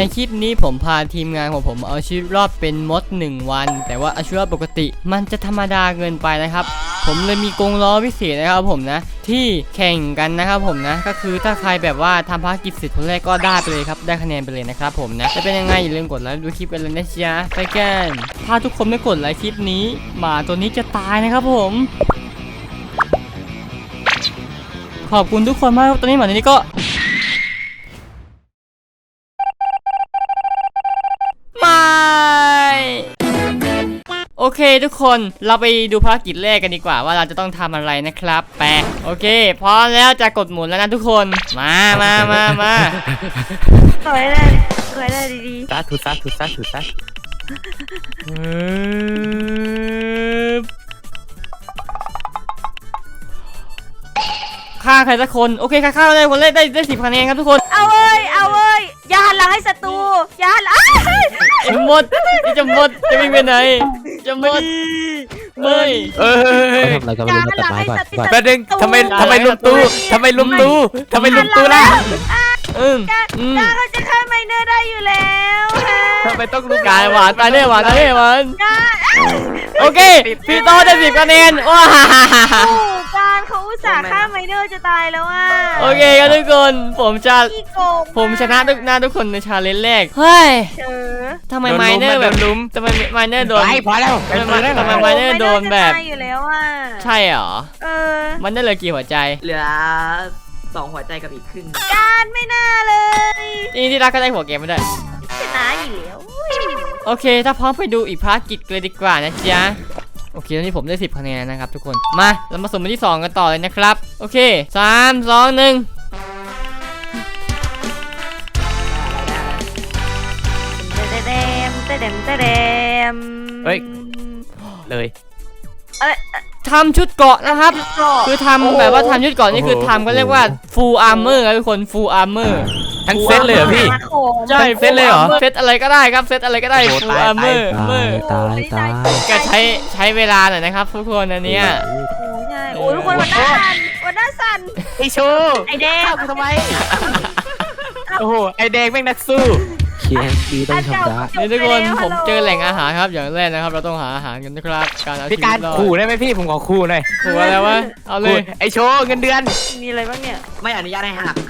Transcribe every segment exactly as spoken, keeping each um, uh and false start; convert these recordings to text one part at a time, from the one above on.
คลิปนี้ผมพาทีมงานของผมเอาชีวิตรอดเป็นมดหนึ่งวันแต่ว่าเอาชีวิตรอดปกติมันจะธรรมดาเกินไปนะครับผมเลยมีกรงล้อพิเศษนะครับผมนะที่แข่งกันนะครับผมนะก็คือถ้าใครแบบว่าทำภารกิจเสร็จคนแรกก็ได้ไปเลยครับได้คะแนนไปเลยนะครับผมนะจะเป็นยังไงอย่าลืมกดไลค์ดูคลิปกันเลยนะจ๊ะไปกันถ้าทุกคนไม่กดไลค์คลิปนี้หมาตัวนี้จะตายนะครับผมขอบคุณทุกคนมากตอนนี้หมาตัวนี้ก็ไม่โอเคทุกคนเราไปดูภารกิจแรกกันดีกว่าว่าเราจะต้องทำอะไรนะครับแปะโอเคพร้อมแล้วจะกดหมุนแล้วนะทุกคนมามามามาสวยเลยสวยเลยดีๆซัดถูซัดถูซัดถูซัดฆ่าใครสักคนโอเคฆ่าฆ่าได้คนแรกได้ได้สิบคะแนนครับทุกคนเอาเว้ยเอาเว้ยอย่าหันหลังให้ศัตรูอย่าหันหลังไอ้มดจะมดจะวิ่งไปไหนจะมดไม่เออทำอะไรกันไม่รู้ตัดไม้ก่อนก่อนแป๊บนึงทำไมทำไมลุมตู้ทำไมลุมตู้ทำไมลุมตู้ล่ะอืมอืมเขาจะฆ่าไมเนอร์ได้อยู่แล้วทำไมต้องลุมกายหวานตายแน่หวานตายแน่หวานโอเคพี่โตได้สิบคะแนนว้าการเขาอุตส่าห์ฆ่าไมเนอร์จะตายแล้วอ่ะโอเคครับทุกคนผมจะผมชนะทุกหน้าทุกคนในชาเลนจ์แรกเฮ้ยทำไมไมเนอร์แบบลุมทำไมไมเนอร์โดนพอแล้วทำไมทำไมไมเนอร์โดนแบบอยู่แล้วอ่ะใช่เหรอเออมันได้เหลือกี่หัวใจเหลือสองหัวใจกับอีกครึ่งการไม่น่าเลยนี่ที่รักก็ได้หัวเกมไม่ได้ชนะอยู่แล้วโอเคถ้าพร้อมไปดูอีกภารกิจเลยดีกว่านะจ๊ะโอเคตอนนี้ผมได้สิบคะแนนนะครับทุกคนมาเรามาสุ่มไปที่สองกันต่อเลยนะครับโอเคสามสองหนึ่งเตเดมเตเดมเตเดมเฮ้ยเลยเอ้ยทำชุดเกาะนะครับคือทำแบบว่าทำชุดเกาะนี่คือทำก็เรียกว่า full armor ครับทุกคน full armor ทั้งเซตเลยเหรอพี่ใช่เซตเลยเหรอเซตอะไรก็ได้ครับเซตอะไรก็ได้ full armor ตายตายก็ใช้ใช้เวลาหน่อยนะครับทุกคนอันเนี้ยใช่โอ้ยทุกคนวันหน้าสั่นวันหน้าสั่นไอชูไอแดงทำไมโอ้โหไอแดงแม่งนักสู้เคียนดีต้องชนะนี่ทุกคนผมเจอแหล่งอาหารครับอย่างแรกนะครับเราต้องหาอาหารกันนะครับการเอาชีวิตรอดขู่ได้ไหมพี่ผมขอขู่หน่อยขู่อะไรวะเอาเลยไอโชว์เงินเดือนมีอะไรบ้างเนี่ยไม่อนุญาตให้หัก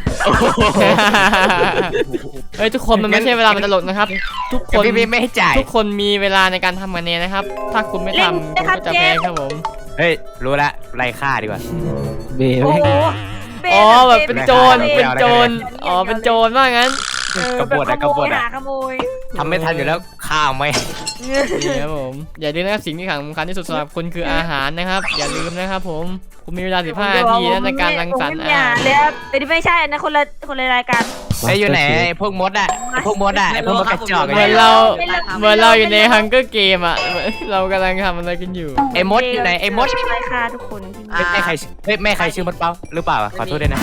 เฮ้ยทุกคนมันไม่ใช่เวลามันตลกนะครับทุกคนไม่ให้จ่ายทุกคนมีเวลาในการทำคะแนนนะครับถ้าคุณไม่ทำคุณก็จะแพ้ครับผมเฮ้ยรู้ละไล่ฆ่าดีกว่าเบลอ๋อแบบเป็นโจรเป็นโจรอ๋อเป็นโจรว่างั้นกบฏอะกบฏอะทำไม่ทันอยู่แล้วข้าวไหมนี่ครับผมอย่าลืมนะครับสิ่งที่สำคัญที่สุดสำหรับคุณคืออาหารนะครับอย่าลืมนะครับผมคุณมีเวลาสิบห้านาทีในการรังสรรค์อาหารเลยแต่ที่ไม่ใช่นะคนละคนละรายการไอ้อยู่ไหนพวกมดอะพวกมดอะพวกมดกระจอกเหมือนเราเหมือนเราอยู่ในฮังเกอร์เกมอะเรากำลังทำอะไรกันอยู่ไอ้มดอยู่ไหนไอ้มดไม่ฆ่าทุกคนไม่ใครไม่ใครชื่อมดเป้าหรือเปล่าขอโทษด้วยนะ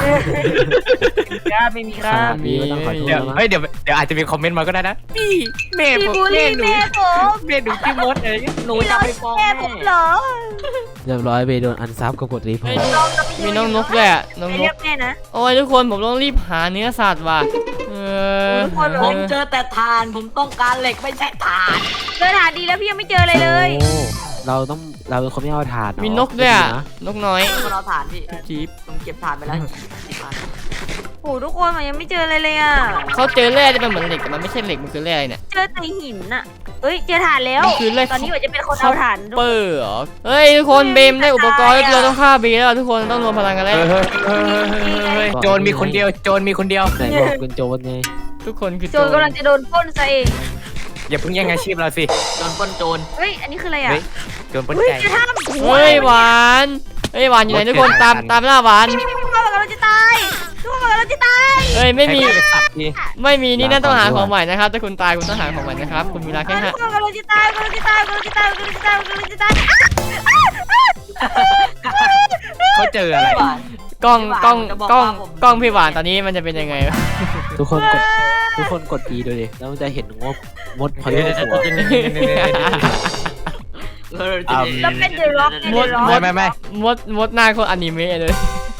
ครับไม่มีครับเดี๋ยวเฮ้ยเดี๋ยวเดี๋ยวอาจจะมีคอมเมนต์มาก็ได้นะพี่แม่ผมแม่หนูแม่หนูชื่อมดอะไรหนูจะไปฟ้องแม่ผมเหรอเรียบร้อยเบโดนอันซับกับกดรีพอร์ตมีน้องนกแหละน้องนกโอ้ยทุกคนผมต้องรีบหาเนื้อสัตว์ว่ะเออผมเจอแต่ถ่านผมต้องการเหล็กไม่ใช่ถ่านเจอถ่านดีแล้วพี่ยังไม่เจออะไรเลยเราต้องเราเป็นคนไม่เอาถ่านมีนกด้วยอ่ะนกน้อยเราถ่านพี่จี๊บผมเก็บถ่านไปแล้วโอ้ทุกคนมันยังไม่เจออะไรเลยอ่ะเขาเจอแร่ที่มันเหมือนเหล็กแต่มันไม่ใช่เหล็กมันคือแร่เนี่ยเจอแต่หินอ่ะเอ้ยเจอถ่านแล้วตอนนี้ว่าจะเป็นคนเอาถ่านเปอร์เหรอเฮ้ยทุกคนเบมได้อุปกรณ์เราต้องฆ่าเบมแล้วทุกคนต้องรวมพลังกันแล้วโจรมีคนเดียวโจรมีคนเดียวไหนบอกเป็นโจรไงทุกคนคือโจรกำลังจะโดนปล้นซะเองอย่าเพิ่งแย่งอาชีพเราสิโจรปล้นโจรเฮ้ยอันนี้คืออะไรอ่ะโจรปล้นใจเฮ้ยหวานเฮ้ยหวานอยู่ไหนทุกคนตามตามล่าหวานทุกคนบอกเราจะตายทุกคนบอกเราจะตายเฮ้ยไม่มีไม่มีนี่น่าต้องหาของใหม่นะครับถ้าคุณตายคุณต้องหาของใหม่นะครับคุณมีเวลาแค่ห้าทุกคนบอกเราจะตายเราจะตายเราจะตายเราจะตายเราจะตายเขาเจออะไรกล้องกล้องกล้องกล้องพี่หวานตอนนี้มันจะเป็นยังไงทุกคนกดทุกคนกดดีดูดิแล้วมันจะเห็นงบมดพอยต์หัวแล้วเป็นเดอะร็อกมดมดไม่ไม่มดมดหน้าคนอนิเมะเลย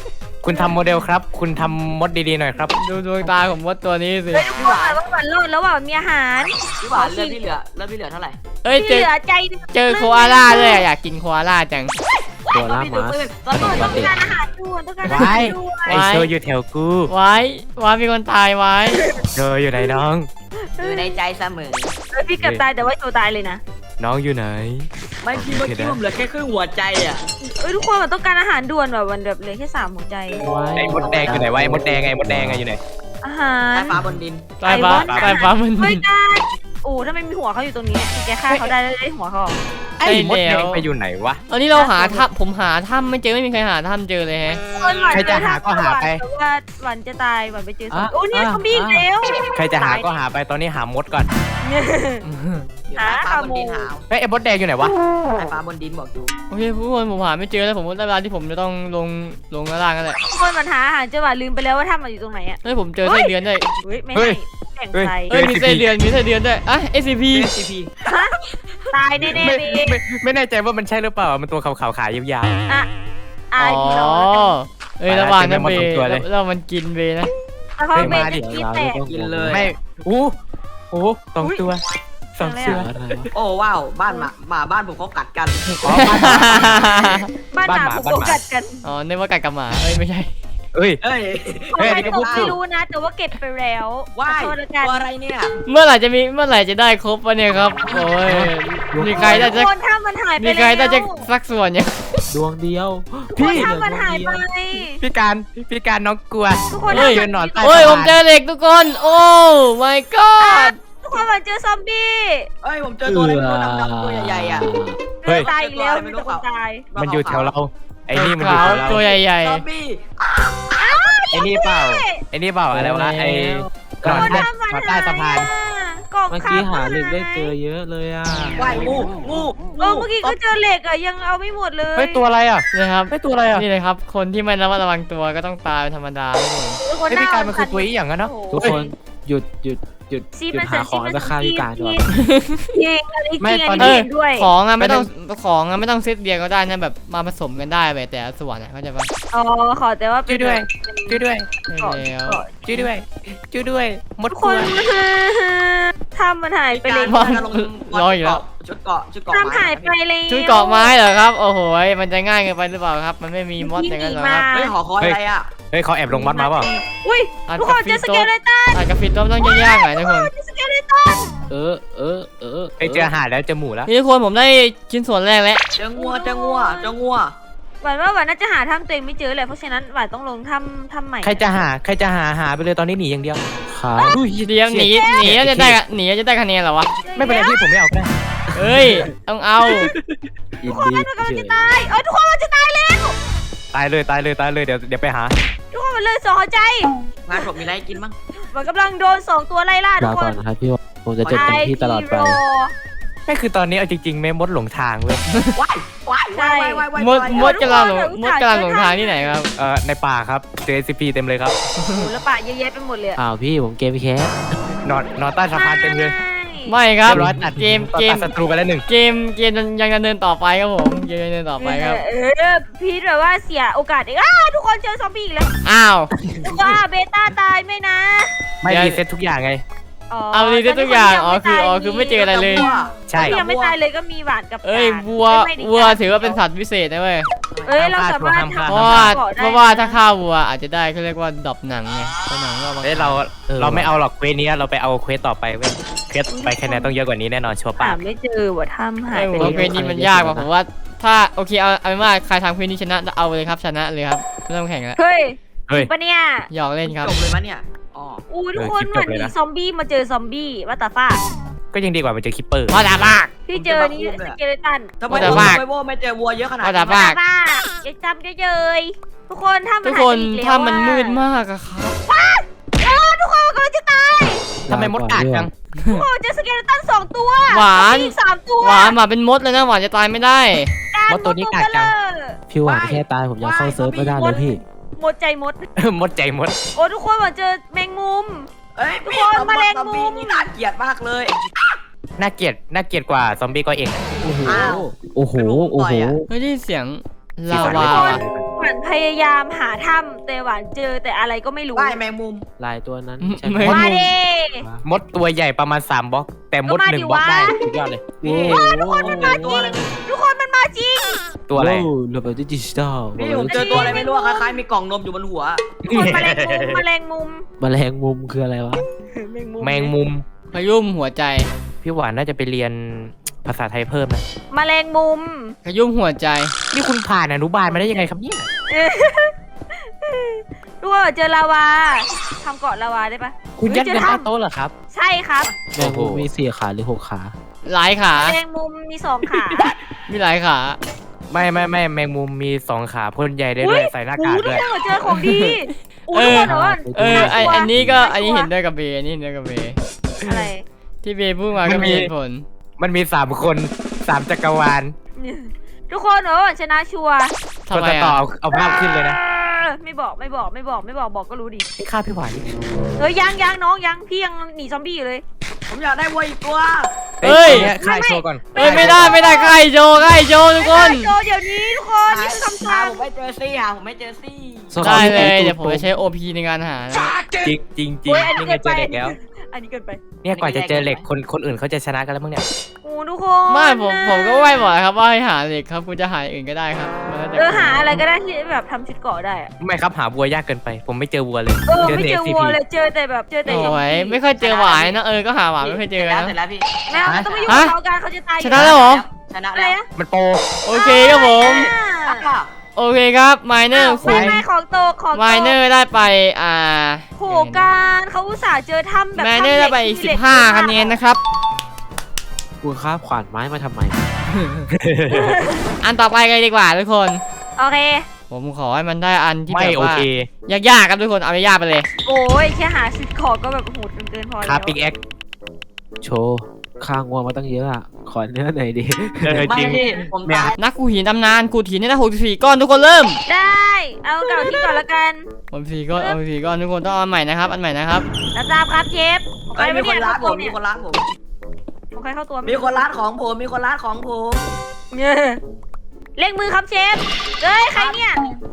คุณทำโมเดลครับ คุณทำมดดีๆหน่อยครับดูดวงตาของมดตัวนี้สิเฮ้ยทุกคนว่าหวานรอดแล้วว่ามีอาหารพี่หวานเลือดพี่เหลือเลือดพี่เหลือเท่าไหร่เอ้ยเจที่อเหลือใจเจอโคอาล่าด้วยอะอยากกินโคอาล่าจังตัวล่ามาตอนนี้ต้องการอาหารด่วนต้องการอาหารด่วนไอโชว์อยู่แถวกูไว้ไว้มีคนตายไว้โชว์อยู่ไหนน้องอยู่ในใจเสมอเฮ้ยพี่เกือบตายแต่ว่าโจตายเลยนะน้องอยู่ไหนไม่พี่เมื่อกี้ผมเหลือแค่ครึ่งหัวใจอ่ะเอ้ยทุกคนมันต้องการอาหารด่วนแบบวันแบบเหลือแค่สามหัวใจไอ้มดแดงอยู่ไหนวะไอ้มดแดงไอ้มดแดงไงอยู่ไหนอาหารใต้ฟ้าบนดินตายฟ้าตายฟ้ามันเฮ้ยการโอ้ถ้าไม่มีหัวเขาอยู่ตรงนี้แกฆ่าเขาได้แล้วได้หัวเขาไอ้มดแดงไปอยู่ไหนวะตอนนี้เราหาถ้ำผมหาถ้ำไม่เจอไม่มีใครหาถ้ำเจอเลยแฮะใครจะหาก็หาไปแต่ว่าหวันจะตายหวันไปเจอศพโอ้เนี่ยซอมบี้อีกแล้วใครจะหาก็หาไปตอนนี้หามดก่อนอยู่ใต้ฟ้าบนดินหาวเฮ้ยไอ้มดแดงอยู่ไหนวะใต้ฟ้าบนดินบอกอยู่โอเคทุกคนผมหาไม่เจอแล้วผมได้เวลาที่ผมจะต้องลงลงข้างล่างกันแหละทุกคนมันหาอาหารจะหวานลืมไปแล้วว่าถ้ำมันอยู่ตรงไหนอ่ะเฮ้ยผมเจอไส้เดือนด้วยเฮ้ยไม่ให้แบ่งใครเฮ้ยมีไส้เดือนมีไส้เดือนด้วยอ่ะ เอส ซี พีซีพีตายแน่ๆไม่เลยไม่ไม่แน่ใจว่ามันใช่หรือเปล่ามันตัวขาวๆขายาวอ่ะอ๋อ่ะอพี่น้องเอ้ยระหว่างนั้นเบเจอแมงมุมสองตัวเลยแล้วมันกินเบนะแล้วเขาเป็นจะกินแตกกินเลยๆไม่อู้โอ้สองตัวสองตัวอะไรวะโอ้ว้าวบ้านหมาหมาบ้านผมเขากัดกันอ๋อบ้านหมาบ้านหมาบ้านหมาพวกกัดกันอ๋อนึกว่ากัดกับหมาเอ้ยไม่ใช่เอ้ยเอ้ยเฮ้ยใครนี่ก็ตพูกดถูไม่กรู้นะ แต่ว่าเก็บไปแล้วว้ายขอโทษแล้วกันตัวอะไรเนี่ยเมื่อไหร่จะมีเมื่อไหร่จะได้ครบวะเนี่ยครับโอ้ยมีใครได้ทุจะกคนถ้ามันหายไปมีแล้วใครได้จะสักส่วนเนี่ยดวงเดียวทุกคนถ้ามันหายไปพี่การพี่การน้องกลัวทุกคนเฮ้ยยืนนอนใต้โอ้ยสะผพาม นเจอเหล็กทุกคน โอ้ my god ทุกคนมันเจอซอมบี้เอ้ยผมเจอตัวอะไรไม่รู้ดำๆตัวใหญ่ๆอ่ะเฮ้ยตายอีกแล้วมีแต่คนตายมันอยู่แถวเราไอ้นี่มันอยู่ขาวแถวเราตัวใหญ่ซอมบี้ไอ้นี่เปล่าไอ้นี่เปล่าอะไรวะไอ้หนอนใต้หนอนใต้สะพานกล่องเมื่อข้ากี้วหาเหล็กได้เจอเยอะเลยอ่ะว่ายงูงูเออเมื่อกี้ก็เจอเหล็กอะยังเอาไม่หมดเลยเฮ้ยตัวอะไรอ่ะๆนะครับเฮ้ยตัวอะไรอ่ะนี่เลยครับ คนที่ไม่ระมัดระวังตัวก็ต้องตายเป็นธรรมดาทุกคนทุกคนเฮ้ยพี่การมันคือตัวอีหยังกันเนาะทุกคนหยุดหยุดหยุดซีหยุมัดนหาของแล้วฆ่าพี่การดีกว่าจริงอันนี้จริงอันนี้เห็นด้วยของอะไม่ต้องของอะไม่ต้องเซตเดียวก็ได้นะแบบมาผสมกันได้แบบแต่ละส่วนอะเข้าใจปะอ๋อขอแต่ว่าช่วยด้วยช่วยด้วยใช่แล้วช่วยด้วยช่วยด้วยมดทุกกคลันวทำมันหายไปเลยรออยู่แล้วชุดเกาะชุดเกาะทำหายไปเลยชุดเกาะไม้เหรอครับ โอ้โหยมันจะง่ายเกินไปหรือเปล่าครับ มันไม่มีมอดอย่างนั้นหรอครับเฮ้ยหอคอยอะไรอ่ะเฮ้ยเขาแอบลงมดมาเปล่าอุ้ยทุกคนเจอสเกเลตันอาจจะฟิตต้องต้องยากๆหน่อยทุกคนเจอสเกเลตันเออเออเออเฮ้ยเจอหาดแล้วเจอหมูแล้วนี่ทุกคนผมได้ชิ้นส่วนแรกแล้วเจองัวเจองัวเจองัวหวานว่าหวานน่าจะหาถ้ำตัวเองไม่เจอเลยเพราะฉะนั้นหวานต้องลงถ้ำถ้ำใหม่ใครจะหาใครจะหาหาไปเลยตอนนี้หนีอย่างเดียวครับเดียวหนีหนีแล้วจะได้หนีแล้วจะได้คะแนนเหรอวะไม่เป็นไรพี่ผมไม่เอาก็ได้เอ้ยต้องเอาอินทุกคนดี้มันกำลังเฉจะยตายเออทุกคนมันจะตายแล้วตายเลยตายเลยตายเลยเดี๋ยวเดี๋ยวไปหาทุกคนมันเลยสองหัวใจงานผมมีอะไรให้กินบ้างหวานกำลังโดนสองตัวไล่ล่าทุลากคก่อนนนะครับพี่ว่าผมจะจดจำที่ตลอดไปไม่คือตอนนี้เอาจริงๆแม่มดหลงทางเว้ยว้ายว้ายว้ายว้ายว้ายมดมดกำลังหลงมดกำลังหลงทางที่ไหนครับเอ่อในป่าครับเจอ เอส ซี พี เต็มเลยครับโอ้โหแล้วปะเยอะแยะไปหมดเลยอะอ้าวพี่ผมเกมแคสนอนนอนใต้สะพานเต็มเลยไม่ครับเรียบร้อยตัดเกมเกมตัดศัตรูไปแล้วหนึ่งเกมเกมยังดำเนินต่อไปครับผมเกมยังดำเนินต่อไปครับเออพีทแบบว่าเสียโอกาสเองอ้าทุกคนเจอซอมบี้อีกแล้วอ้าวว้าเบต้าตายไม่นะไม่เดี๋ยวรีเซ็ตทุกอย่างไงเอาดีได้ทุกอย่างอ๋อคืออ๋อคือไม่เจออะไรเลยใช่ที่ยังไม่ตายเลยก็มีหวานกับเอ้ยการวัวไม่ได้วัวถือว่าเป็นสัตว์พิเศษนะเว้ยเอ้ยเราสามารถห้ามเพฆ่ราะว่าเกาะได้เพราะว่าถ้าฆ่าวัวอาจจะได้เขาเรียกว่าดรอปหนังไงเพราะหนังก็เอามาเฮ้ยเราเราไม่เอาหรอกเควสนี้เราไปเอาเควสต่อไปเว้ยเควสไปคะแนนต้องเยอะกว่านี้แน่นอนชัวร์หาป่ะไม่เจอว่ะถ้ำหายไอ้ไปผมเลว่าเควยสนี้มันยากกว่าผมว่าถ้าโอเคเอาเอาเป็นว่าใครทำเควสนี้ชนะเอาเลยครับชนะเลยครับไม่ต้องแข่งแล้วเฮ้ยเฮ้ยปะเนี่ยหยอกเล่นครับจบเลยมั้ยเนี่ยอ๋ออู้ทุกคนเออเหมือนคลิปจบเลยมีนะซอมบี้มาเจอซอมบี้ว่าตาฟ้าก็ยังดีกว่ามันเจอคิปเปอร์พอดาบากพี่เจอนี่สเกเลตันทำไมว่าแต่โว้ว่าทำไมโว้ไม่เจอวัวเยอะขนาดว่านี้แต่ว่าว่าตาฟ้าอย่าจำเยอะๆทุกคนถ้ามันทุกหายคไปนอีกแล้วถ้ามันอะมืดมากอะครับเออทุกคนกำลังจะตายทำไมมดกัดจังโอ้เจอสเกเลตันสองตัวหวานซอมบี้อีกสามตัวหวานหมาเป็นมดเลยนะหวานจะตายไม่ได้มดตัวนี้กัดจังพี่หวานแค่ตายผมยังเข้าเซิร์ฟไม่ได้เลยพี่หมดใจหมดมดใจมดโอ้ทุกคนมาเจอแมงมุมเอ้ยทุกพี่คนซอมแมลงซอมมุบี้มนี่น่าเกลียดมากเลยน่าเกลียดน่าเกลียดกว่าซอมบี้ก็เองโอ้โหอ้าวโอ้โหโอ้โหเฮ้ยได้ยินเสียงสีลาสันวาไม่ว่ะดีหวานพยายามหาถ้ำแต่หวานเจอแต่อะไรก็ไม่รู้ว่ายแมงมุมลายตัวนั้นใช่ไม่ไหมมาดิมดตัวใหญ่ประมาณสามบล็อก แต่มดก็มาหนึ่ดิงบล็อกวะได้สุดยอดเลยนี่ทุกคนมันมาจริงทุกคนมันมาจริงตัวอะไรระเบิดดิจิตอลนี่ผมเจอตัวอะไรไม่รู้อะคล้ายๆมีกล่องนมอยู่บนหัวคนแมลงมุมแมลงมุมแมลงมุมคืออะไรวะแมงมุมพยุ่มหัวใจพี่หวานน่าจะไปเรียนภาษาไทยเพิ่มนะแมลงมุมพยุ่มหัวใจนี่คุณผ่านอนุบาลมาได้ยังไงครับเนี่ยทุกคนเจอลาวาทำเกาะลาวาได้ปะคุณยัดเงินเฮ้ใต้ยโต๊ะเหรอครับใช่ครับแมงมุมมีสี่ขาหรือหกขาหลายขาแมลงมุมมีสองขามีหลายขาไม่ไม่ไม่แมงมุมมีสองขาพ่นใหญ่ได้อุ๊ด้วย ยใส่หน้ากากทุกด้วยคนเจอของดีอู้เอทุกอคนแต่ว่าเออไออันนี้ก็น่ากลัวอันนี้เห็นด้วยกับเบย์อันนี้เห็นด้วยกับเบย์อะไรที่เบย์พูดมาก็มีเหตุผลมันมีสามคนสามจักรวาลทุกคนเออชนะชัวร์ทำคนไมจะต่ออ่ะเอาภาพขึ้นเลยนะไม่บอกไม่บอกไม่บอกไม่บอกบอกก็รู้ดินี่ฆ่าพี่หวานเฮ้ยยังยังน้องยังพี่ยังหนีซอมบี้อยู่เลยผมอยากได้วัวอีกตัวเฮ้ยนี่ฆ่าโชว์ก่อนเอ้ยไม่ได้ไม่ได้ใครโจใครโจทุกคนโจเดี๋ยวนี้ทุกคนนี่คือคำหาสั่งผมไม่เจอซี่หาผมไม่เจอซี่ได้เลยเดี๋ยวผมจะใช้ โอ พี ในการหานะจริงจริงจริงโอ้ยอันนี้นี่ไงเกินเจไปอเด็กแล้วอันนี้เกินไปเนี่ยกว่าจะเจอเหล็กคนคนอื่นเขาจะชนะกันแล้วมั้งเนี่ยโอ้ทุกคนไม่ผมผมก็ไหวบอกครับว่าให้หาเหล็กครับคุณจะหาอย่างอื่นก็ได้ครับมันแล้วแต่เออหาอะไรก็ได้ที่แบบทำชุดเกราะได้อะไม่ครับหาวัวยากเกินไป ผมไม่เจอวัวเลยเออไม่แต่เจอซีวัวพีเลยเจอแต่แบบเจอแต่โอ้ยไม่ค่อยเจอหวายนะเออก็หาหวายไม่ค่อยเจอแล้วนะเสร็จแล้วพี่แม่ไม่ต้องไปยุ่งฮะกับเขากันเขาจะตายอยู่ชนะแล้วเหรอชนะอะไรแล้วนะมันโปรโอเคครับผมอ่าโอเคครับไมเนอร์ไม่คุณไม่ของโตกของโตกไมเนอร์ได้ไปอ่าโหการเขาอุตส่าห์เจอถ้ำแบบไมเนอร์ได้ไปอีกสิบห้าคะแนนนะครับคุณคาบขวานไม้มาทำไมอันต่อไปกันดีกว่าทุกคนโอเคผมขอให้มันได้อันที่ไม่แบบโอว่าเคยากๆครับทุกคนเอายากๆไปเลยโอ้ยแค่หาชุดเกราะก็แบบโหดเกินพอแล้วคาปิกแอคโชว์ข้างงัวมาตั้งเยอะอ่ะ ขอเนื้อหน่อยดิเออไม่จริงพี่ผมเนี่ยตายนักกูหินตำนานกูหินได้หกสิบสี่ก้อนทุกคนเริ่มได้เอาเก่าที่ก่อนละกันหกสิบสี่ก้อนเอาสี่ก้อนทุกคนต้องเอาอันใหม่นะครับอันใหม่นะครับรับทราบครับเชฟของใครเอ้ยมีไม่คนเนี่ยร้านผมเนี่มียคนร้านผมของใครเข้าตัวมีคนร้านของผมมีคนร้านของผมเนี่ยเล่งมือครับเชฟเอ้ยใครเนี่ย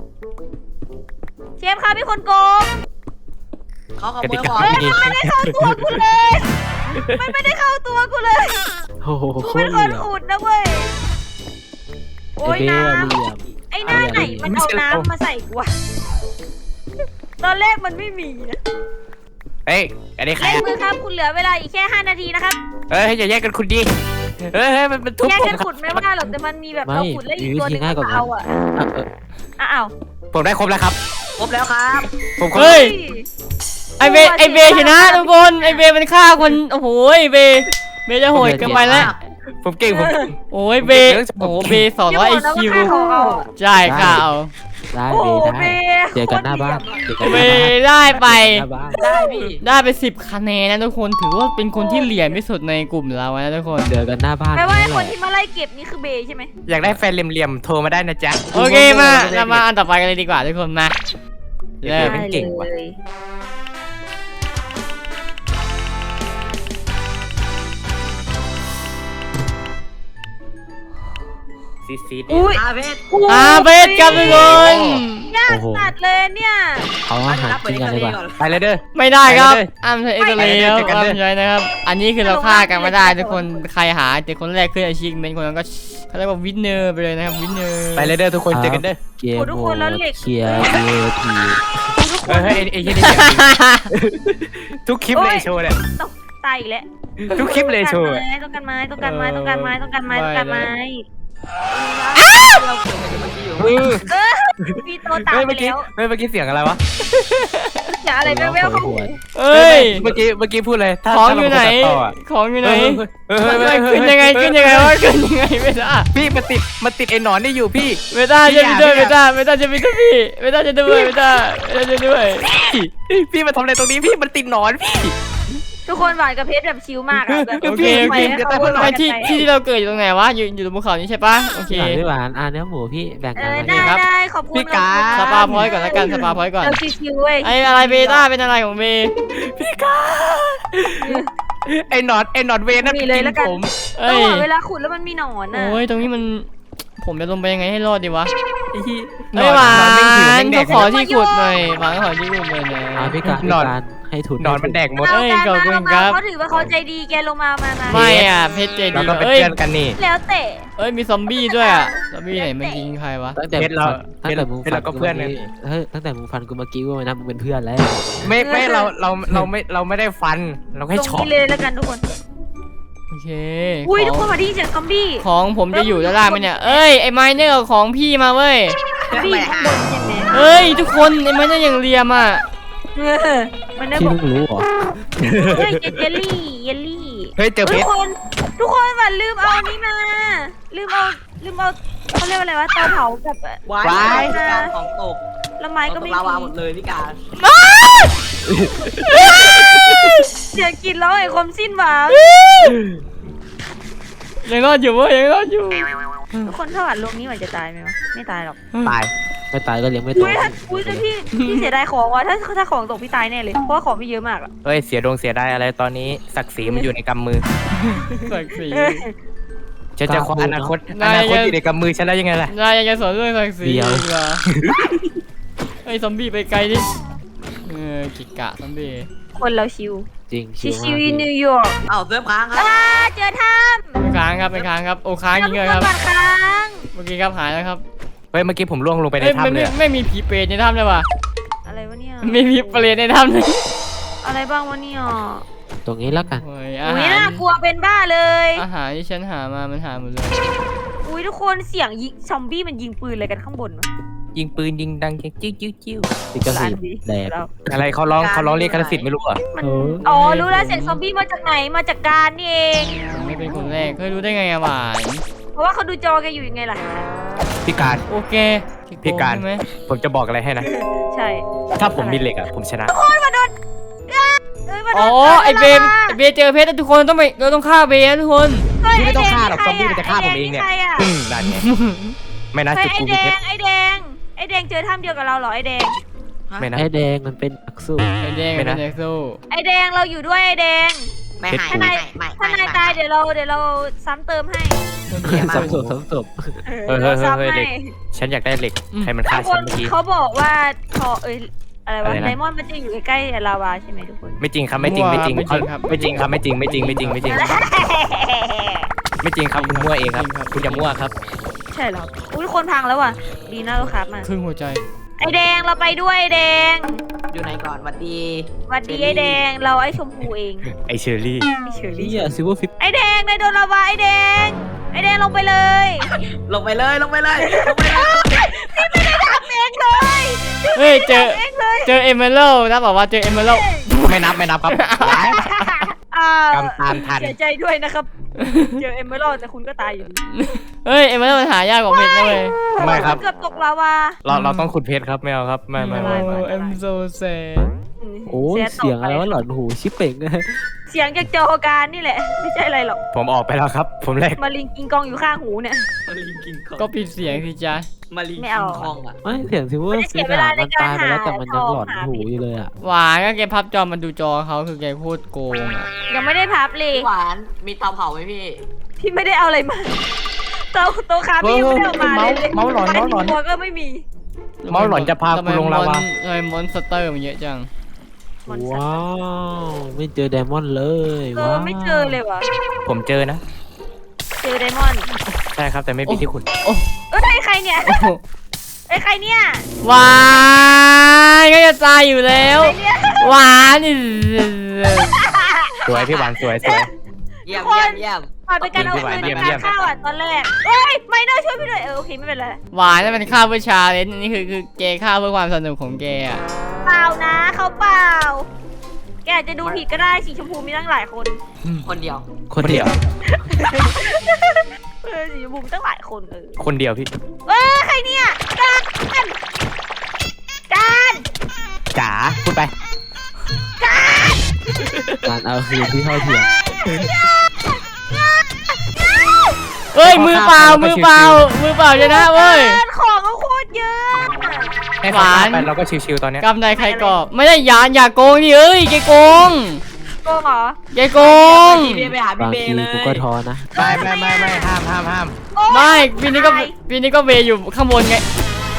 เชฟครับมีคนโกงเขาขกโมติยกาของเฮ้ยไม่ดีมันไม่ได้เข้าตัวกูเลยมันไม่ได้เข้าตัวกูเลยโอ้โหกูโคเป็ตนรคเหนลี่ยมอุดนะเว้ยโอ้ไอย เบ้น้อะเหลี่ยมำไอ้หน้าไหนมันเอาน้ำมาใส่กูวะตอนแรกมันไม่มีนะเฮ้ยอันนี้ใครเล่นอะมือครับคุณเหลือเวลาอีกแค่ห้านาทีนะครับเฮ้ยอย่าแยกกันคุณดีเฮ้ยเฮ้ยมันมันทุบแยกผมกันครับขุดไม่ว่าหรอกแต่มันมีแบบไม่เราขุดแล้วอีกมีตัววิหธีนึงง่ายกว่าก็นั้นเอาอ่ะอ่ะเอออ้าวผมได้ครบแล้วครับครบแล้วครับผมครบเฮ้ยไอเบไอเบชนะทุกคนไอเบมันฆ่าคนโอ้โหไอเบเบจะโหดเกินไปแล้วผมเก่งผมเก่งโอ้ยเบโอ้โหเบสองร้อยไอคิวเดี๋ยวบอกนะว่าฆ่าของเอาอะใช่ค่ะเอาได้โอ้โหเบได้เบเจอกันหน้าบ้านเจอกันหเบน้าบ้านได้ไปหน้าบ้านได้พี่ได้ไปสิบคะแนนนะทุกคนถือว่าเป็นคนที่เหลี่ยมที่สุดในกลุ่มเรานะทุกคนเจอกันหน้าบ้านแปลว่าไอ้นั่นคแหนละที่มาไล่เก็บนี่คือเบย์ใช่ไหมอยากได้แฟนเหลี่ยมๆโทรมาได้นะจ๊ะโอเคมาเรามาอันต่อไปกันเลยดีกว่าทุกคนมาเริ่มมันเก่งว่ะได้เลยซีซีดอุ้ยอาเพชรอาเบสครับทุกคนยากสัตว์เลยเนี่ยเอาอาหารกินกันเลยป่ะไปเลยเด้อไม่ได้ครับไปเลยอ้ำใช้เอ็กซ์เรย์ครับไปเลยอ้ำใช้นะครับ อันนี้คือเราฆ่ากันไม่ได้ทุกคนใครหาแต่คนแรกขึ้นอาชีพเป็นคนนั้นก็เขาเรียกว่าวินเนอร์ไปเลยนะครับวินเนอร์ไปเลยเด้อทุกคนเจอกันเด้อเกมโหมดเคลียร์เวทีเฮ้ยเฮ้ยไอ้ไอ้ยี่นี่อยากทุกคลิปเลยโชว์เนี่ยตกตายอีกแล้วทุกคลิปเลยโชว์ต้องการไม้ต้องการไม้ต้องการไม้ต้องการไม้ต้องการไม้ต้องการไม้เราเกิดกันเมื่อกี้อยู่เออเออมีตัวตามเฮ้ยไปเมื่อกี้แล้วเฮ้ยเมื่อกี้เสียงอะไรวะเดี๋ยวอะไรแว่วๆเข้าหูเอ้ยเมื่อกี้เมื่อกี้พูดเลยถ้าของถ้าอยู่เราไหนตัดต่ออะของอยู่ไหนเออเออเออเออขึ้นยังไงขึ้นยังไงวะขึ้นยังไงไม่ได้พี่มันติดมันติดไอ้หนอนนี่อยู่พี่ไม่ได้จะมีด้วยไม่ได้ไม่ได้จะมีด้วยพี่ไม่ได้จะด้วยไม่ได้ไม่ได้จะด้วยพี่พี่มาทำอะไรตรงนี้พี่มันติดหนอนพี่ทุกคนหวานกับเพชรแบบชิลมากอะแบบโอเคโอเคไปให้เขาไอที่ที่ที่เราเกิดอยู่ตรงไหนวะอยู่อยู่ตรงภูเขานี้ใช่ปะโอเคหวานด้วยหวานอ่าเนื้อหมูพี่แบ่งเอกันอมาได้ครับได้ขอบคุณพี่กาสปาพอยต์ก่อนละกันสปาพอยต์ก่อนเราชิวๆเว้ยไออะไรเบต้าเป็นอะไรของเบพี่กาไอ้หนอนไอ้หนอนเวรนั่นกินผมเอ้ยเออเวลาขุดแล้วมันมีหนอนอะโอ้ยตรงนี้มันผมจะลงไปยังไงให้รอดดีวะไอ้ที่เฮ้ยหวานไม่หิวแม่งแดก็กขอที่ขุดหน่อยหวานก็ขอที่ขุดหน่อยนะอ่าพี่การพี่การให้ทุนนอนมันแดกหมดเอ้ยขอบคุณครับเขาถือว่าเขาใจดีแกลงมามามาไม่อ่ะเพชรเจเราดีก็เป็นเอ้ยเพื่อนกันนี่แล้วเตะเอ้ยมีซอมบี้ด้วยอ่ะซอมบี้ไหนมันยิงใครวะตั้งแต่เพชรเราตั้งแต่มึงเพชรเราก็เพื่อนกันเฮ้ยตั้งแต่มึงฟันกูเมื่อกี้ว่ามันนะมึงเป็นเพื่อนแล้วไม่ไม่เราเราเราไม่เราไม่ได้ฟันเราตแค่รงช็อตนี้เลยแล้วกันทุกคนโอเคอุ้ยขทุกองคนมาที่เสียงซอมบี้ของผมจะอยู่ด้านล่างไหมเนี่ยเอ้ยไอ้ไมเนอร์ของพี่มาเว้ยซอมบี้ข้างบนยังไงเอ้ยทุกคนไอ้ไมเนอร์อย่างเรียมอ่ะเออมันได้ที่บอกเพิ่งรู้เหรอเฮ้ยเยลลี่เยลลี่เฮ้ยเจอเพทุกชรคนทุกคนว่าลืมเอานี้มาลืมเอาลืมเอาเขาเรียกว่าอะไรวะเตาเผากับวายว้ายพี่การของตกแล้วไม้ก็ตไม่กลาวาหมมีดเลยพี่การเสียงกินแล้วไอ้ความสิ้นหวังยังรอดอยู่เว้ยยังรอดอยู่ทุกคนถ้าหวานลงนี้หวานจะตายไหมวะไม่ตายหรอกตายไม่ตายก็เลี้ยงไม่โตอุ้ยถ้าอุ้ยถ้าพี่พี่เสียดายของว่ะถ้าถ้าของตกพี่ตายแน่เลยเพราะว่าของพี่เยอะมากอะเฮ้ยเสียดวงเสียได้อะไรตอนนี้ศักดิ์ศรีมันอยู่ในกำมือศักดิ์ศรีฉันจะคว้าอนาคตอนาคตอยู่ในกำมือฉันแล้วยังไงล่ะนายยังจะสอนเรื่องศักดิ์ศรีอีกเหรอไอ้ซอมบี้ไปไกลดิเออกิกะซอมบี้คนเราชิวจริงชิชิววมากๆนิพี่วยอร์กเอ้าเซิร์ฟค้างครับอ่าเจอถ้ำเป็นค้างครับเป็นค้างครับโอ้ค้างยิงเลยครับบัตรค้างเมื่อกี้ครับหายแล้วครับเฮ้ยเมื่อกี้ผมล่วงลงไปในเอ้ยไม่ถ้ำเลไม่ยอะไม่มีผีเปรตในถ้ำเลยว่ะอะไรวะเนี่ยไม่มีเปรตในถ้ำเลยอะไรบ้างวะเนี่ยตรงนี้แล้วกันโอ้ยอาอุ้ยหารน่ากลัวเป็นบ้าเลยอาหารที่ฉันหามามันหาหมดเลยอุ้ยทุกคนเสียงยิงซอมบี้มันยิงปืนอะไรกันข้างบนวะยิงปืนยิงดังจิ้วจิ้วจิ้วติกระสีแดดแล้วอะไรเขาร้องเขาร้องเรียกคณะสิทธิ์ไม่รู้เหรอ่ะมันเอออ๋อรู้แล้วเสียงซอมบี้มาจากไหนมาจากการนี่เองไม่เป็นคนแรกเคยรู้ได้ไงอะหวานเพราะว่าเขาดูจอแกอยู่ยังไงล่ะพี่การโอเคพี่การใช่ไหมผมจะบอกอะไรให้นะใช่ถ้าผมมีเหล็กอ่ะผมชนะโอ้ยมาโดนอ่ะเอ้ยมาโดนอ๋อไอเบมไอเบมเจอเพชรแล้วทุกคนต้องไปเราต้องฆ่าเบมนะทุกคนเฮ้ยพี่ไม่ต้องแดฆ่าหรอกใคซอมบี้มันจะฆ่าผมเองเนี่ยไแดใครอะอืมนั่นไงไม่นะเฮ้ยจุดไอกูแดมีเพชงรไอแดงไอแดงเจอถ้ำเดียวกับเราเหรอไอแดงไม่นะไอ้แดงมันเป็นนักสู้ไอแดงไม่เป็นนะเด็กสู้ไอแดงเราอยู่ด้วยไอแดงไม่หายถ้าไม่นายไม่ถ้าไม่นายตายเดี๋ยวเราเดี๋ยวเราซ้ำเติมให้สมศพสมศพเออเราซ้ำให้ฉันอยากได้เหล็กใครมันฆ่าทุกคฉันนเมื่อกี้เขาบอกว่าทอเอ้ยอะไรวะอะไรนะไดมอนด์มันจะอยู่ใกล้ๆลาวาใช่ไหมทุกคนไม่จริงครับไม่จริงไม่จริงเขาไม่จริงครับไม่จริงไม่จริงไม่จริงไม่จริงไม่จริงครับคุณมั่วเองครับคุณอย่ามั่วครับใช่เหรออุ้ยคนพังแล้วว่ะดีนะเราครับมาครึ่งหัวใจไอแดงเราไปด้วยไอแดงอยู่ไหนก่อนหวัดดีสวัสดีไอแดงเราไอชมพูเองไอเชอรี่ไอเชอนี่รี่อะซิลเวอร์ฟิปไอแดงในโดนลาวาไอแดงไอแดงลงไปเลยลงไปเลยลงไปเลยลงไปเลยทำเองเลยเฮ้ยเจอทำเองเลยเจอเอเมอรัลนะบอกว่าเจอเอเมอรัลไม่นับไม่นับครับอ่ากำตามทันเสียใจด้วยนะครับ เจอเอมเมอรัลแต่คุณก็ตายอยู่ดีเฮ้ยเอเมอรัลมันหายากกว่าเพชรนะเว้ยไม่ครับเกือบตกลาวาเราเราต้องขุดเพชรครับไม่เอาครับไม่ไม่ไม่ไม่ไม่โอ้ I'm so sad โอ้ยเสียงอะไรวะหลอนหูชิปเป่งนะเสียงจากจอการนี่แหละ ไม่ใช่อะไรหรอกผมออกไปแล้วครับ ผมแรกมาลิงกิงกองอยู่ข้างหูเนี่ยมาลิงกิงคองก็ปิดเสียงสิจ๊ะมาลิงไม่กิเอางคองอ่ะไม่เสียงซิลเวอร์ฟิปอะมันตายไปแล้วแต่มันยังหลอนหูอยู่เลยอะหวานก็แกพับจอมันดูจอเขาคือแกโคตรโกงอะยังไม่ได้พับเลยพี่หวานมีเตาเผาไหมพี่พี่ไม่ได้เอาอะไรมาโต๊ะโต๊ะคาพี่ยังไม่ได้เอามาเลยเมาส์หลอนเมาส์หลอนตัวก็ไม่มีเมาหลอนจะพากูลงลาวาทำไมมอนสเตอร์มันเยอะจังมอนสเตอร์ว้าวไม่เจอไดมอนด์เลยเอว้าอวไม่เจอเลยว่ะผมเจอนะเจอไดมอนด์ใช่ครับแต่ไม่มีที่ขุดโอ้เอ้ยใครเนี่ยโอ้โหไอ้ยใครเนี่ยหวานก็จะตายอยู่แล้วใครเนี่ยหวานนี่สวยพี่หวานสวยสวยเยี่ยมทุกคนเยี่ยมเยี่ยมผ่านไปการเอาคืนเยี่ยมในเยี่กาย รมฆ่าอ่ะตอนแรกเอ้ยไมเนอร์ช่วยพี่ด้วยเออโอเคไม่เป็นไรหวานนั่นมันฆ่าเพื่อชาเลนจ์อันนี้คือคือแกฆ่าเพื่อความสนุกของแกอะเปล่านะเขาเปล่า แกอาจจะดูผิดก็ได้สีชมพูมีตั้งหลายคนคนเดียวคนเดียวเออสีชมพูมีตั้งหลายคนเออคนเดียวพี่เออใครเนี่ยการการจ๋าพูดไปการเอาคืนที่เท่าเทียมเฮ้ยมือเปล่ามือเปล่ามือเปล่าชนะเว้ยการของเขาโคตรเยอะให้หวานไปเราก็ชิวๆตอนเนี้ยกำใดใครก่อไม่ได้ยานอย่าโกงดิเอ้ยแกโกงโกงเหรอแกโกงพี่เบย์ไปหาพี่บางเบย์ทีเลยกูก็ท้อนะไม่ไม่ไม่ไม่ห้ามห้ามห้ามโอ้ยไม่ปีนี้ก็ปีนี้ก็เวย์อยู่ข้างบนไง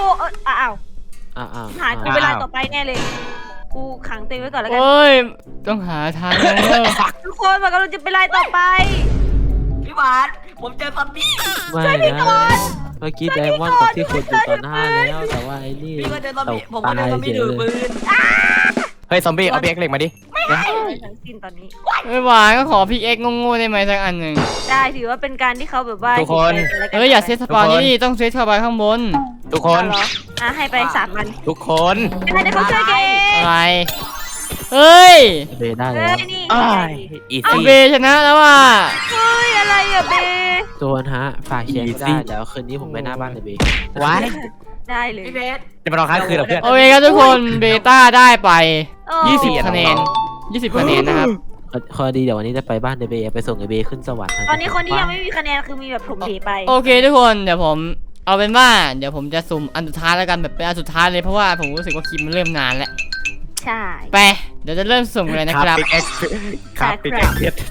เอออ้าวอ้าวอ้าวหายกูเวลาต่อไปแน่เลยกูขังเต็งไว้ก่อนแล้วกันโอ้ยต้องหาทางแล้วทุกคนมันกำลังจะไปไล่ต่อไปพี่หวานผมเจอซอมบี้ไม่นะเมื่อกี้ไดมอนด์กับที่ขุดอยู่ต่อหน้าแล้วแต่ว่าไอ้นี่พี่ก็เจอซอมตบี้กผมก็ตาเจอย ซอมเฉบี้ยถือเลปืยนเฮ้ยซอมบี้เอาเบียกเหล็กมาดิไม่ทั้งสิ้นตอนนี้ไม่หวานก็ขอพิกเอ็กโง่ๆได้ไหมสักอันหนึ่งได้ถือว่าเป็นการที่เขาแบบว่าทุกคนเอ้ยอย่าเซตสปอนนี่ต้องเซตเข้าไปข้างบนทุกคนเหรออ่ะให้ไปสามพันทุกคนไม่ได้เขาช่วยเกอะไรเฮ้ยเบได้เฮ้แล้วยนี่อ้ายอีเอาซี่เบชนะแล้วว่ะเฮ้ยอะไรอะเบส่วนฮะฝากเชียร์ก็ Easy ได้เดี๋ยวคืนนี้ผมไปหน้าบ้านเลยเบว้ายได้เลยพี่เพชรจะมารอค้างคืนเหรอเพื่อนโอเคครับทุกคนเบต้าได้ไปเออยี่สิบเสียคะแนนน้องยี่สิบคะแนนนะครับข้อดีเดี๋ยววันนี้จะไปบ้านเดเบไปส่งไอเบขึ้นสวรรค์ะตอนนี้คนที่ยังไม่มีคะแนนคือมีแบบถมเทไปโอเคทุกคนเดี๋ยวผมเอาเป็นว่าเดี๋ยวผมจะสุ่มอันสุดท้ายแล้วกันแบบเป็นอันสุดท้ายเลยเพราะว่าผมรู้สึกว่าคลิปมันเริ่มนานแล้วใช่ไปเดี๋ยวจะเริ่มสุ่มเลยนะครับปิกเอ็กครับปิกเอ็กเพชร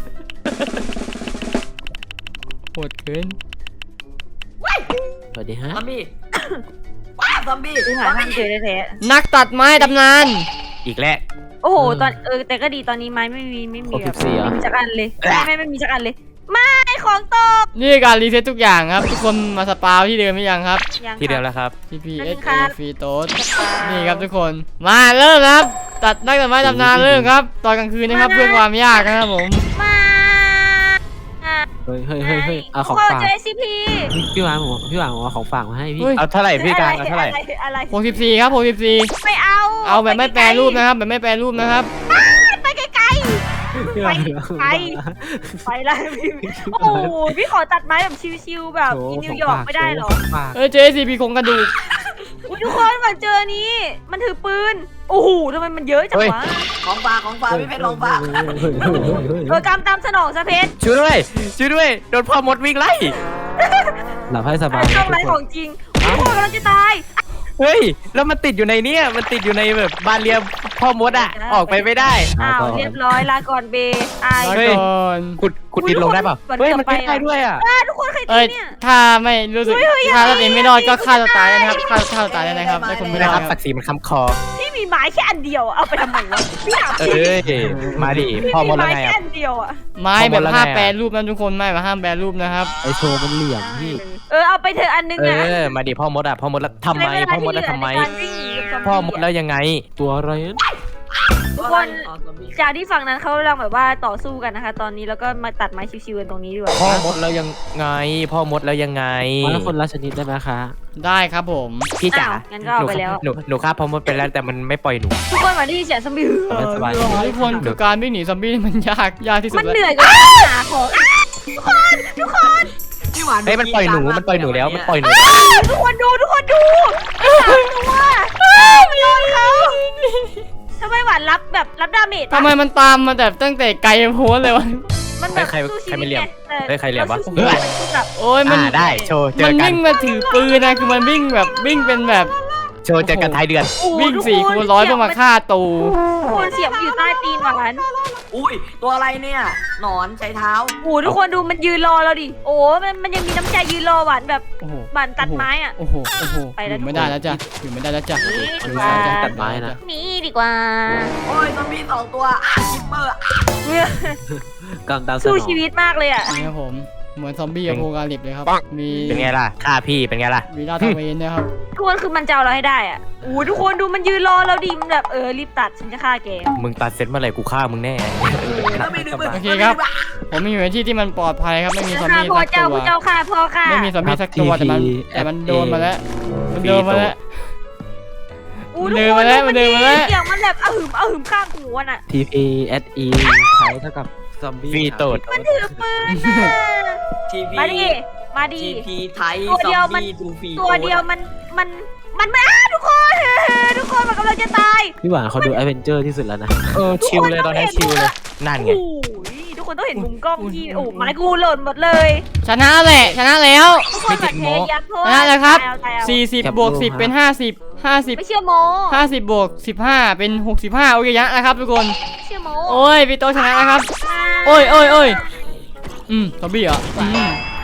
โหดเกินสวัสดีฮะซอมบี้ว้าซอมบี้ดูหาทางเจอแท้นักตัดไม้ตำนานอีกแล้วๆโอ้โหตอนเออแต่ก็ดีตอนนี้ไม้ไม่มีไม่มีแบบไม่มีจักอันเลยไม่ไม่ไม่มีจักอันเลยไม่ของตกนี่การรีเซ็ตทุกอย่างครับ ทุกคนมาสปาวที่เดิมหรือยังครับยังที่เดิมแล้วครับ T P นั่ S น A ครับฟรีโต๊ดนี่ครับทุกคนมาเริ่มครับ ตัดนักตัดไม้ตำนานเริ่มครับ ตอนกลางคืนนะครับเพื่อความยากนะครับผมมาอ่ะเฮ้ยเฮ้ยเฮ้ยเฮ้ยเอาของทุกคนฝากเจอ ซี พีพี่หวานผมพี่หวานผมเอาของฝากมาให้พี่เฮ้ยเอาเท่าไหร่พี่การเอาเท่าไหร่อะไรอะไรหกสิบสี่ครับหกสิบสี่ไม่เอาเอาแบบไม่แปรรูปนะครับแบบไม่แปรรูปนะครับไปไกลพี่หวานไป ๆไปแล้วพี่โอ้โหพี่ขอตัดไม้แบบชิวๆแบบอินนิวยอร์กไม่ได้หรอของฝากเออเจซีพีโครงกระดูกอุ๊ยทุกคนมาเจอนี้ มันถือปืนโอ้โหทำไมมันเยอะจังวะของฝากของฝากพี่เพชรของฝากเฮ้ยเฮ้ยเฮ้ยเฮ้ยเฮ้ยเออกำตามสนองซะเพชรช่วยด้วยช่วยด้วยโดนพ่อมดวิ่งไล่หลับให้สบายช่องทุไรกขคอน งจริงทุกคนกำลังจะตายเฮ้ยแล้วมันติดอยู่ในเนี้ยมันติดอยู่ในแบบบานเรียมพ่อมดอ่ะออกไปไม่ได้อ้าวเรียบร้อยลาก่อนเบไอลาเฮ้ยก่อนขุดขุดดินลงได้เปล่าเฮ้ยมันขึ้นได้ด้วยอ่ะอ่าทุกคนใครตีเอ้ยเนี่ยถ้าไม่รู้สึกเฮ้ยเฮ้ยถ้าอย่าตัวเองไม่รอดก็ฆ่าตัวตายได้นะครับฆ่าฆ่าตัวตายได้นะครับถ้าคุณไม่ไม่รได้อคดรับคศัรับกดิ์ศรีมันค้ำคอพี่มีไม้แค่อันเดียวอะเอาไปทำไมวะพี่ถามเอจริง้ยมาดิพ่อพี่มมีดแล้วไม้ไงแค่อ่ะอันเดียวอะไม้แบบข้างบนแล้วห้ามไงอะแปรรูปนะทุกคนไม่แบบห้ามแปรรูปนะครับไอโชว์มันเหลี่ยมพี่เออเอาไปเถอะอันนึงเออะอมาดิพ่อมดอ่ะพ่อมดแล้วทำไมพ่อมดแล้วทำไมในการวิ่งหนีกับซบี้พ่อมดแล้วยังไงตัวอะไรนั้นทุกคนจากที่ฝั่งนั้นเขากำลังแบบว่าต่อสู้กันนะคะ ตอนนี้แล้วก็มาตัดไม้ชิวๆกันตรงนี้ดีกว่าพ่อมดแล้วยังไง พ่อมดแล้วยังไงมาคนละชนิดได้ไหมคะได้ครับผมพี่จ๋าอ้าวงั้นก็เอาไปแล้วหนูหนูฆ่าพ่อมดไปแล้วแต่มันไม่ปล่อยหนูทุกคนมาที่เสียงซอมบี้สบายทุกคนคือการวิ่งหนีซอมบี้นี่มันยากยากที่สุดมันแล้วเหนื่อยกว่าหาของอ้าวทุกคนทุกคนพี่หวานเฮ้ยมันปล่อยหนูมันปล่อยหนูแล้วมันปล่อยหนูอ้าวทุกคนดูทุกคนดูไอ้สามตัวอ้าวมันโดนเขาทำไมหวานรับแบบรับดาเมจทำไมมันตามมาแบบตั้งแต่ไกลโพ้นเลยวะมันแบบใครสู้ชีใครวิไม่ตเหลี่ยมไงแต่เฮ้ยใครเหลี่ยมวะราสู้ชีวิตมันแบบโอ้ยมันอ่าได้โชว์เจมัอน กันวิ่งมาถือปืนนะคือมันวิ่งแบบวิ่งเป็นแบบโชว์เจอกันท้ายเดือนโอ้โหวิ่งทุกสี่คูณร้อยเพื่อมาฆ่าตูทุกคนเสียงมันอยู่ใต้ตีนหวานอุ้ยตัวอะไรเนี่ยหนอนใช้เท้าโอ้โหทุกคนดูมันยืนรอเราดิโอ้มันมันยังมีน้ำใจยืนรอหวานแบบโอ้โหหวานตัดไม้อ่ะโอ้โหโอ้โหไปแล้วอยู่ไม่ได้แล้วจ้ะอยู่ไม่ได้แล้วจ้ะนี่อันดีนี้กว่าใช้ตัดไม้นะนี่ดีกว่าโอ้ยซอมบี้สองตัวอ่ะคิปเปอร์อ่ะกำตามสนสู้องชีวิตมากเลยอ่ะนี่ครับผมเหมือนซอมบี้อโพกาลิปเลยครับมีเป็นไงล่ะฆ่าพี่เป็นไงล่ะมีลาดตระเวนนะครับทุกคนคือมันจะเอาเราให้ได้อ่ะโอ้โหทุกคนดูมันยืนรอเราดิมันแบบเออรีบตัดฉันจะฆ่าแกมึงตัดเสร็จเมื่อไหร่กูฆ่ามึงแน่ซอมบี้ดื้อโอเคครับ ผมมีอยู่ในที่ที่มันปลอดภัยครับไม่มีซอมฆ่าบี้พ่อสักเจ้าตัวผู้เจ้าฆ่าพ่อฆ่าไม่มีซอมบี้สักตัวแต่มันแต่มันโดนมาแล้วมันโดนมาแล้วอู้มันทุเดิกนคมาน แล้วมันเดินมาแล้วเสียงมันแบบอะหึมอะหึมข้างหูอะน่ะทีพีเอสอีใช้เท่ากับซอมบี้ฟรีโตดมันถือปืนน่ะทีพีมาดิมาดิทีพีไทยตัวซอเดียวมมันบี้ทูฟีตัวเดียวมันมันมันไม่อ้าทุกคน ทุกคนมันกำลังจะตายพี่หวานเขาดูแอดเวนเจอร์ที่สุดแล้วนะเออชิลเลยตอนนี้ชิลเลยนั่นไงโอ้ยทุกคนต้องเห็นมุมกล้องที่โอ้ไม้กูหล่นหมดเลยชนะแหละชนะแล้วทุกคนแบบเทยับโทษชนะแล้วครับตายเอาตายเอาสี่สิบบวกสิบเป็นห้าสิบห้าสิบไม่เชื่อโมห้าสิบบวกสิบห้าเป็นหกสิบห้าโอเคชนะครับทุกคนไม่เชื่อโมโอ้ยพี่โตชนะนะครับ โอ้ยโอ้ยโอ้ยอืมซอมบี้เหรออืม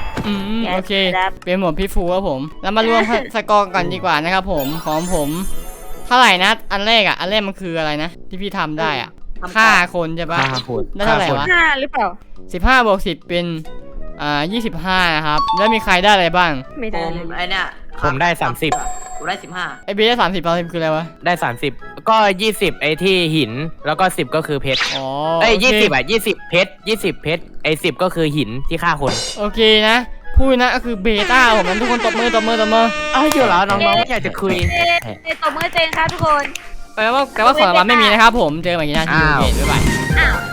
อืมแกะโอเคครับเป็นหมวดพี่ฟูครับผมเรามารวมสกอร์กันดีกว่านะครับผมของผมเท่าไหร่นะอันแรกอ่ะอันแรกมันคืออะไรนะที่พี่ทำได้อ่ะฆ่าคนใช่ปะฆ่าคนได้เท่าไหร่วะห้าหรือเปล่าสิบห้าบวกสิบเป็นอ่ายี่สิบห้านะครับแล้วมีใครได้อะไรบ้างไม่ผได้มเลยไอเนี่ยผมได้สามสิบผมได้สิบห้าไอเบียได้สามสิบสามสิบคืออะไรวะได้สามสิบก็ยี่สิบไอ้ที่หินแล้วก็สิบก็คือเพชรอ๋อเอ้ยโอเคยี่สิบอ่ะยี่สิบเพชรยี่สิบเพชรไอ้สิบก็คือหินที่ฆ่าคนโอเคนะพูดนะก็คือเบต้าผมนั้นทุกคนตบมือตบมือตบมือเอ้ยอยู่แล้วน้องๆไม่อยากจะคุยเอ๊ะเอ๊ะตบมือเจงครับทุกคนแปลว่าแปลว่าของรางวัลไม่มีนะครับผมเจอกันใหม่ที่หน้าที่อ้าวโอเคบ๊ายบายอ้าว